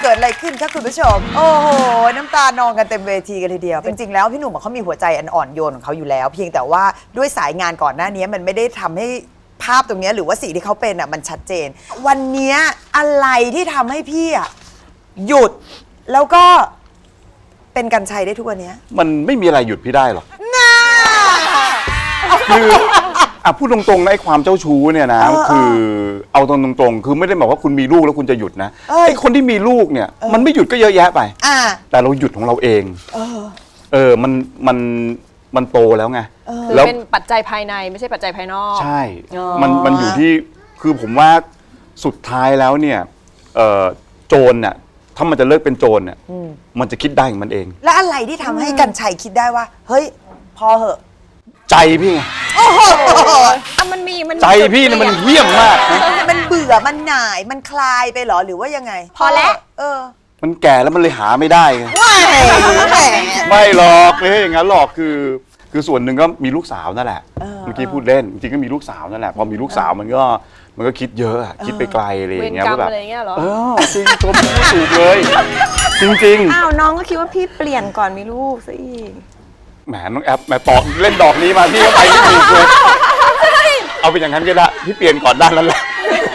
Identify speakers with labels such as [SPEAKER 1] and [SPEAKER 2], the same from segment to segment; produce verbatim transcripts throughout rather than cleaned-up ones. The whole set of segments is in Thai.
[SPEAKER 1] กิดอะไรขึ้นคะคุณผู้ชมโอ้โหน้ำตานองกันเต็มเวทีกันทีเดียวจริงๆแล้วพี่หนุ่มเขามีหัวใจอันอ่อนโยนของเขาอยู่แล้วเพียงแต่ว่าด้วยสายงานก่อนหน้านี้มันไม่ได้ทำให้ภาพตรงนี้หรือว่าสิ่งที่เขาเป็นอ่ะมันชัดเจนวันนี้อะไรที่ทำให้พี่อ่ะหยุดแล้วก็เป็นกรรชัยได้ทุกวันนี้
[SPEAKER 2] มันไม่มีอะไรหยุดพี่ได้หรอก
[SPEAKER 1] น่า
[SPEAKER 2] คืออ่ะพูดตรงๆนะไอ้ความเจ้าชู้เนี่ยนะคือเอาตรงๆคือไม่ได้บอกว่าคุณมีลูกแล้วคุณจะหยุดนะไอ้คนที่มีลูกเนี่ยมันไม่หยุดก็เยอะแยะไปแต่เราหยุดของเราเองเออมันมันมันโตแล้วไง
[SPEAKER 3] แล้วเป็นปัจจัยภายในไม่ใช่ปัจจัยภายนอก
[SPEAKER 2] ใช่มันมันอยู่ที่คือผมว่าสุดท้ายแล้วเนี่ยโจรเนี่ยถ้ามันจะเลิกเป็นโจรเนี่ยมันจะคิดได้ของมันเอง
[SPEAKER 1] แล้วอะไรที่ทำให้กรรชัยคิดได้ว่าเฮ้ยพอเหอะ
[SPEAKER 2] ใจพี่ไง
[SPEAKER 1] โอ้โห
[SPEAKER 3] มันมีมัน
[SPEAKER 2] ใจพี่เนี่ยมันเหี้ยมมากนะ
[SPEAKER 1] มันเบื่อมันหน่ายมันคลายไปหรอหรือว่ายังไง
[SPEAKER 3] พอแล้ว
[SPEAKER 1] เออ
[SPEAKER 2] มันแก่แล้วมันเลยหาไม่ได้ไงไม่ไม่หรอกไม่ใช่อย่างนั้นหรอกคือคือส่วนหนึ่งก็มีลูกสาวนั่นแหละเมื่อกี้พูดเล่นจริงๆก็มีลูกสาวนั่นแหละพอมีลูกสาวมันก็มันก็คิดเยอะคิดไปไกลอะไรอย่างเงี้ยว่าแบบเออจริงตัวพี่ถูกเลยจริงๆ
[SPEAKER 4] อ้าวน้องก็คิดว่าพี่เปลี่ยนก่อนมีลูกซะอีก
[SPEAKER 2] แหมน้องแอปแหมตอกเล่นดอกนี้มาพี่ก็ไปไม่ถูกเลยเอาเป็นอย่างนั้นก็ได้พี่เปลี่ยนก่อนด้านนั้นแหละ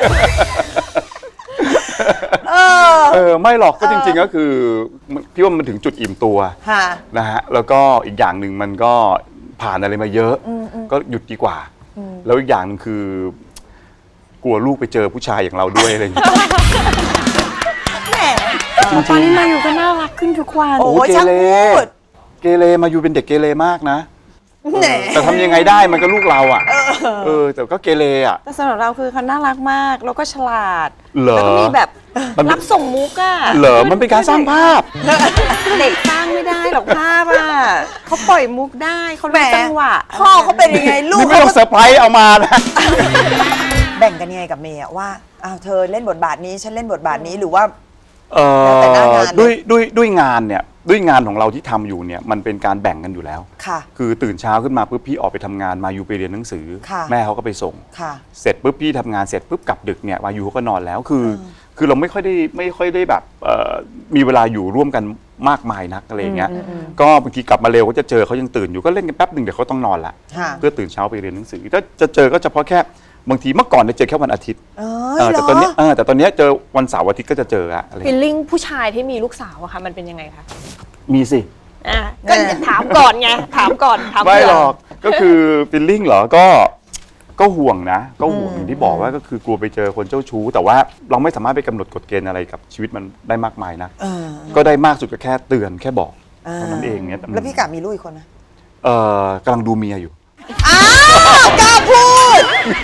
[SPEAKER 2] เออไม่หรอกก็จริงๆก็คือพี่ว่ามันถึงจุดอิ่มตัวนะฮะแล้วก็อีกอย่างหนึ่งมันก็ผ่านอะไรมาเยอะก็หยุดดีกว่าแล้วอีกอย่างหนึ่งคือกลัวลูกไปเจอผู้ชายอย่างเราด้วยอะไรอย่างเงี้ย
[SPEAKER 4] ตอนนี้มาอยู่ก็น่ารักขึ้นทุกวัน
[SPEAKER 1] โอ้ยช่างพูด
[SPEAKER 2] เกเรมาอยู่เป็นเด็กเกเรมากนะแต่ทำยังไงได้มันก็ลูกเราอ่ะเออแต่ก็เกเรอ่ะ
[SPEAKER 4] แต่สำหรับเราคือเขาน่ารักมากแล้วก็ฉลาด
[SPEAKER 2] แล้ว
[SPEAKER 4] ก็มีแบบรับส่งมุกอ่ะ
[SPEAKER 2] เหรอมันเป็นการสร้างภาพ
[SPEAKER 4] เด็กสร้างไม่ได้หรอกภาพอ่ะเขาปล่อยมุกได้เขารู้จังหวะ
[SPEAKER 1] พ่อเขาเป็นยังไงลูก
[SPEAKER 2] ไม่ต้องเซอร์ไพรส์เอามานะ
[SPEAKER 1] แบ่งกันยังไงกับเมย์ว่าอ้าวเธอเล่นบทบาทนี้ฉันเล่นบทบาทนี้หรือว่า
[SPEAKER 2] เออด้วยด้วยด้วยงานเนี่ยด้วยงานของเราที่ทำอยู่เนี่ยมันเป็นการแบ่งกันอยู่แล้ว
[SPEAKER 1] ค่ะ
[SPEAKER 2] คือตื่นเช้าขึ้นมาปุ๊บพี่ออกไปทำงานมายูไปเรียนหนังสือแม่เขาก็ไปส่ง
[SPEAKER 1] ค่ะ
[SPEAKER 2] เสร็จปุ๊บพี่ทำงานเสร็จปุ๊บกลับดึกเนี่ยมายูเขาก็นอนแล้วคือคือเราไม่ค่อยได้ไม่ค่อยได้แบบมีเวลาอยู่ร่วมกันมากมายนักอะไรอย่างเงี้ยก็บางทีกลับมาเร็วก็จะเจอเขายังตื่นอยู่ก็เล่นกันแป๊บหนึ่งเดี๋ยวเขาต้องนอนละเพื่อตื่นเช้าไปเรียนหนังสือถ้าจะเจอก็เฉพาะแค่บางทีเมื่อก่อนจะเจอแค่วันอาทิตย์แต่ตอนนี้แต่ตอนนี้เจอวันเสาร์อาทิตย์ก็จะเจออะอะไร
[SPEAKER 3] ฟีลลิ่งผู้ชายที่มีลูกสาวอะค่ะมันเป็นยังไงคะ
[SPEAKER 2] มีสิ
[SPEAKER 3] อ่ะก็ถามก่อนไงถามก่อนถาม
[SPEAKER 2] ไม่หรอกก็คือฟีลลิ่งเหรอก็ก็ห่วงนะก็ห่วงอย่างที่บอกว่าก็คือกลัวไปเจอคนเจ้าชู้แต่ว่าเราไม่สามารถไปกำหนดกฎเกณฑ์อะไรกับชีวิตมันได้มากมายนะก็ได้มากสุดก็แค่เตือนแค่บอกเท่านั้นเองเนี่ย
[SPEAKER 1] แล้วพี่กะมีลูกอีกคนนะ
[SPEAKER 2] เออกำลังดูเมียอยู่
[SPEAKER 1] อ้าวกล้าพูด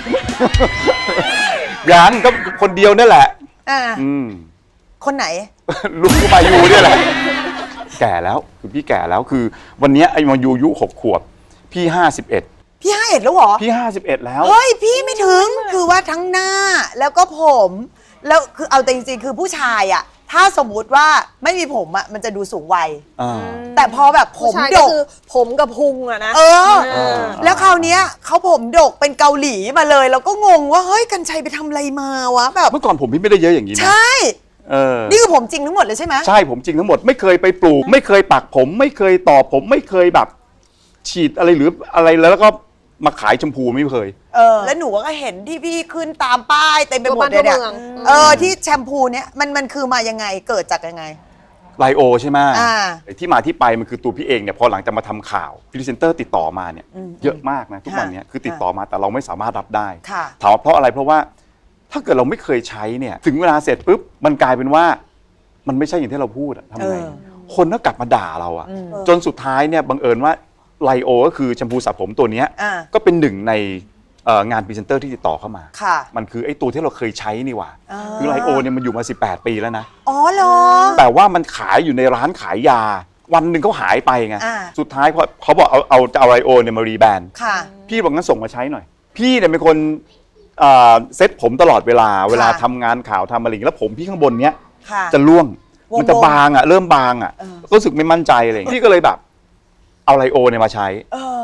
[SPEAKER 2] ยังก็คนเดียวนั่นแหละอืม
[SPEAKER 1] คนไหน
[SPEAKER 2] ลูกมายูเนี่ยแหละแก่แล้วคือพี่แก่แล้วคือวันนี้ไอ้มายูอายุหกขวบพี่ห้าสิบเอ็ด
[SPEAKER 1] พี่ห้าเอ็ดแล้วเหรอ
[SPEAKER 2] พี่ห้าสิบเอ็ดแล้ว
[SPEAKER 1] เฮ้ยพี่ไม่ถึงคือว่าทั้งหน้าแล้วก็ผมแล้วคือเอาแต่จริงๆคือผู้ชายอ่ะถ้าสมมุติว่าไม่มีผมอ่ะมันจะดูสูงวัยแต่พอแบบผมดก
[SPEAKER 3] ผมกับพุงอะนะ
[SPEAKER 1] เออแล้วคราวนี้เขาผมดกเป็นเกาหลีมาเลยเราก็งงว่าเฮ้ยกรรชัยไปทำอะไรมาวะแบบ
[SPEAKER 2] เมื่อก่อนผมพี่ไม่ได้เยอะอย่างนี้นะ
[SPEAKER 1] ใช่นี่คือผมจริงทั้งหมดเลยใช่ไหม
[SPEAKER 2] ใช่ผมจริงทั้งหมดไม่เคยไปปลูกไม่เคยปักผมไม่เคยต่อผมไม่เคยแบบฉีดอะไรหรืออะไรแล้วก็มาขายชมพูไม่เคย
[SPEAKER 1] เออแล้วหนูก็เห็นที่พี่ขึ้นตามป้ายเต็มไปหมดเลยเนี่ยเออที่แชมพูเนี้ยมันมันคือมายังไงเกิดจากยังไง
[SPEAKER 2] ไลโอใช่ไหมที่มาที่ไปมันคือตัวพี่เองเนี่ยพอหลังจากมาทำข่าวพรีเซนเตอร์ติดต่อมาเนี่ยเยอะมากนะทุกวันนี้คือติดต่อมาแต่เราไม่สามารถรับได้ถามว่าเพราะอะไรเพราะว่าถ้าเกิดเราไม่เคยใช้เนี่ยถึงเวลาเสร็จปุ๊บมันกลายเป็นว่ามันไม่ใช่อย่างที่เราพูดอะทำไงคนก็กลับมาด่าเราอะจนสุดท้ายเนี่ยบังเอิญว่าไลโอก็คือแชมพูสระผมตัวนี้ก็เป็นหนึ่งในงานพรีเซนเตอร์ที่ติดต่อเข้ามามันคือไอ้ตัวที่เราเคยใช้นี่หว่าคือไลโอเนี่ยมันอยู่มาสิบแปดปีแล้วนะ
[SPEAKER 1] อ๋อเหรอ
[SPEAKER 2] แต่ว่ามันขายอยู่ในร้านขายยาวันหนึ่งเขาหายไปไงสุดท้ายพอเขาบอกเอาเอาจะเอาไลโอเนี่ยมารีแบรนด์พี่บอกงั้นส่งมาใช้หน่อยพี่เนี่ยเป็นคนเซ็ตผมตลอดเวลาเวลาทำงานข่าวทำอะไรแล้วผมพี่ข้างบนเนี้ยจะร่วงมันจะบางอ่ะเริ่มบางอ่ะรู้สึกไม่มั่นใจอะไรพี่ก็เลยแบบเอาไลโอเนี่ยมาใช้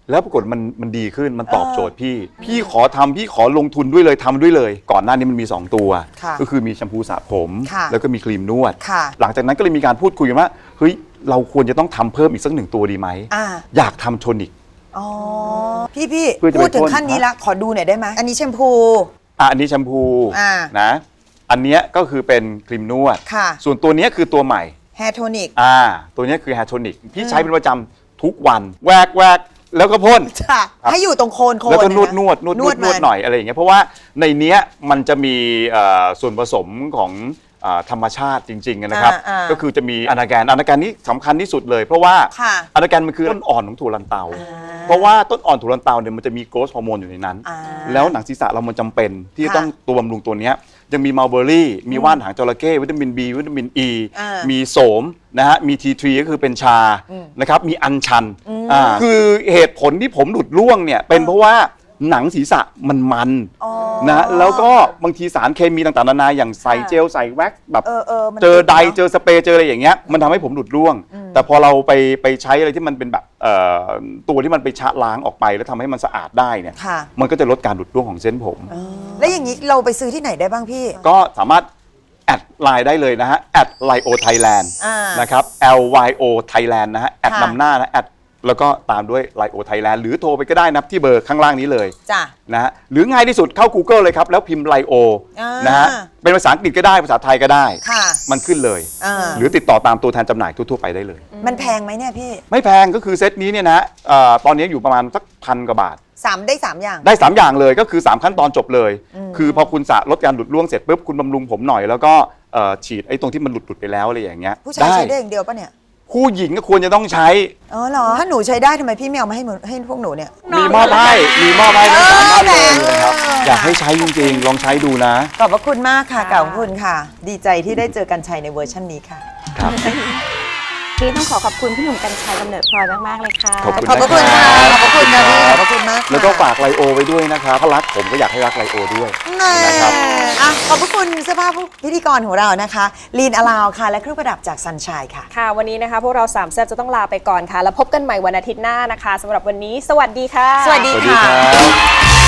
[SPEAKER 2] แล้วปรากฏมันมันดีขึ้นมันตอบโจทย์พี่ พี่ขอทำพี่ขอลงทุนด้วยเลยทำด้วยเลย ก่อนหน้านี้มันมีสองตัว ก็คือมีแชมพูสระผม แล้วก็มีครีมนวด หลังจากนั้นก็เลยมีการพูดคุยกันว่าเฮ้ยเราควรจะต้องทำเพิ่มอีกสักหนึ่งตัวดีไหมอยากทำโทนิก
[SPEAKER 1] อ๋อพี่พี่พูดถึงขั้นนี้ละขอดูหน่อยได้ไหมอันนี้แชมพู
[SPEAKER 2] อ่ะอันนี้แชมพูนะอันเนี้ยก็คือเป็นครีมนวดส่วนตัวนี้คือตัวใหม่
[SPEAKER 1] แฮร์โทนิก
[SPEAKER 2] อ่าตัวนี้คือแฮร์โทนิกพี่ใช้เป็นประจำทุกวันแวกแวกแล้วก็พ่น
[SPEAKER 1] ให้อยู่ตรงโคนโคน
[SPEAKER 2] แล้วก็นวดนวดนวดนวดนวดหน่อยอะไรอย่างเงี้ยเพราะว่าในเนี้ยมันจะมีส่วนผสมของธรรมชาติจริงๆนะครับก็คือจะมีอนาแกนอนาแกนนี้สำคัญที่สุดเลยเพราะว่าอนาแกนมันคือต้นอ่อนของถั่วลันเตาเพราะว่าต้นอ่อนถั่วลันเตาเนี่ยมันจะมีโกรทฮอร์โมนอยู่ในนั้นแล้วหนังศีรษะเรามันจำเป็นที่จะต้องตัวบำรุงตัวเนี้ยยังมีมัลเบอรี่มีว่านหางจระเข้วิตามิน B วิตามิน E มีโสมนะฮะมี ที ทรี ก็คือเป็นชานะครับมีอัญชันอ่าคือเหตุผลที่ผมหลุดร่วงเนี่ยเป็นเพราะว่าหนังศีรษะมันมันนะแล้วก็บางทีสารเคมีต่างๆนานาอย่างใส่เจลใส่แว็กซ์แบบเจอไดเจอสเปรย์เจออะไรอย่างเงี้ยมันทำให้ผมหลุดร่วงแต่พอเราไปไปใช้อะไรที่มันเป็นแบบตัวที่มันไปชะล้างออกไปแล้วทำให้มันสะอาดได้เนี่ยมันก็จะลดการหลุดร่วงของเส้นผม
[SPEAKER 1] แล้วอย่างนี้เราไปซื้อที่ไหนได้บ้างพี่
[SPEAKER 2] ก็สามารถแอดไลน์ได้เลยนะฮะแอดไลโอไทยแลนด์นะครับ L Y O Thailand นะฮะแอดนำหน้านะแอดแล้วก็ตามด้วยไลโอไทยแลนด์หรือโทรไปก็ได้นะที่เบอร์ข้างล่างนี้เลยจ้ะนะฮะหรือง่ายที่สุดเข้า Google เลยครับแล้วพิมพ์ไลโอนะฮะเป็นภาษาอังกฤษก็ได้ภาษาไทยก็ได้มันขึ้นเลยหรือติดต่อตามตัวแทนจำหน่ายทั่วๆไปได้เลย
[SPEAKER 1] มันแพงไหมเนี่ยพี่
[SPEAKER 2] ไม่แพงก็คือเซตนี้เนี่ยนะตอนนี้อยู่ประมาณสักพันกว่าบาท
[SPEAKER 1] สามได้สามอย่าง
[SPEAKER 2] ได้สามอย่างเลยก็คือสามขั้นตอนจบเลยคือพอคุณสระลดการหลุดร่วงเสร็จปุ๊บคุณบำรุงผมหน่อยแล้วก็ฉีดไอ้ตรงที่มันหลุดๆไปแล้วอะไรอย่างเงี้ย
[SPEAKER 1] ผู้ชายใช้ได้อย่างเดียวปะเนี่ย
[SPEAKER 2] ผู้หญิงก็ควรจะต้องใช้
[SPEAKER 1] อ๋อเหรอถ้าหนูใช้ได้ทำไมพี่ไม่เอามาให้ให้พวกหนูเนี่ย
[SPEAKER 2] มีมอบให้มีมอบให้ทั้งสามท่านเลยนะครับอยากให้ใช้จริงๆลองใช้ดูนะ
[SPEAKER 1] ขอบพระคุณมากค่ะขอบคุณค่ะดีใจที่ได้เจอกันชัยในเวอร์ชันนี้ค่ะ
[SPEAKER 2] ครับ
[SPEAKER 4] พี่ต้องขอขอบคุณพี่หนุ่มกรรชัยกำเนิดพลอยมากๆเลยค่ะ
[SPEAKER 2] ขอบคุณ
[SPEAKER 1] ขอบคุณค่ะขอบคุณค่ะพี่ขอบคุณมาก
[SPEAKER 2] แล้วก็ฝากไลโอไว้ด้วยนะครับถ้ารักผมก็อยากให้รักไลโอด้วย
[SPEAKER 1] นะครับอ่ะขอบคุณเสื้อผ้าพิธีกรของเรานะคะลีนอลาวค่ะและเครื่องประดับจากซันชัยค่ะ
[SPEAKER 3] ค่ะวันนี้นะคะพวกเราสามแซ่บจะต้องลาไปก่อนค่ะแล้วพบกันใหม่วันอาทิตย์หน้านะคะสำหรับวันนี้สวัสดีค่ะ
[SPEAKER 1] สวัสดีค่ะ